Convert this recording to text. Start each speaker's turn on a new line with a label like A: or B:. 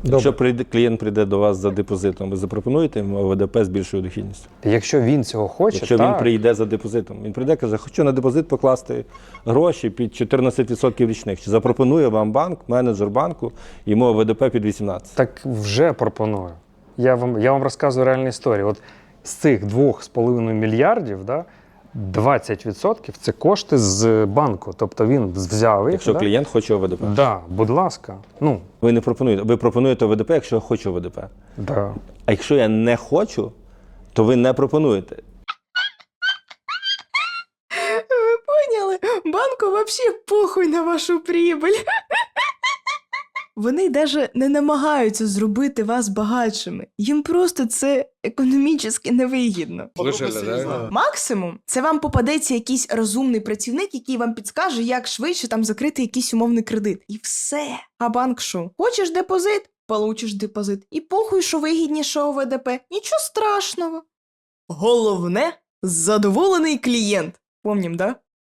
A: Якщо клієнт прийде до вас за депозитом, ви запропонуєте йому ОВДП з більшою дохідністю?
B: Якщо він цього хоче,
A: Якщо
B: так.
A: він прийде за депозитом, він прийде і каже, хочу на депозит покласти гроші під 14% річних. Чи запропонує вам банк, менеджер банку, йому ОВДП під 18%?
B: Так вже пропоную. Я вам розказую реальну історію. От з цих 2,5 мільярдів, да, 20% – це кошти з банку. Тобто він взяв їх.
A: Якщо
B: да?
A: клієнт хоче ОВДП.
B: Да, будь ласка. Ну,
A: Ви не пропонуєте. Ви пропонуєте ОВДП, якщо я хочу ОВДП.
B: да.
A: А якщо я не хочу, то ви не пропонуєте.
C: Ви поняли? Банку вообще похуй на вашу прибыль. Вони навіть не намагаються зробити вас багатшими. Їм просто це економічно невигідно. Максимум, це вам попадеться якийсь розумний працівник, який вам підскаже, як швидше там закрити якийсь умовний кредит. І все. А банк що? Хочеш депозит? Получиш депозит. І похуй, що вигідніше ОВДП. Нічого страшного. Головне – задоволений клієнт. Помнім, да?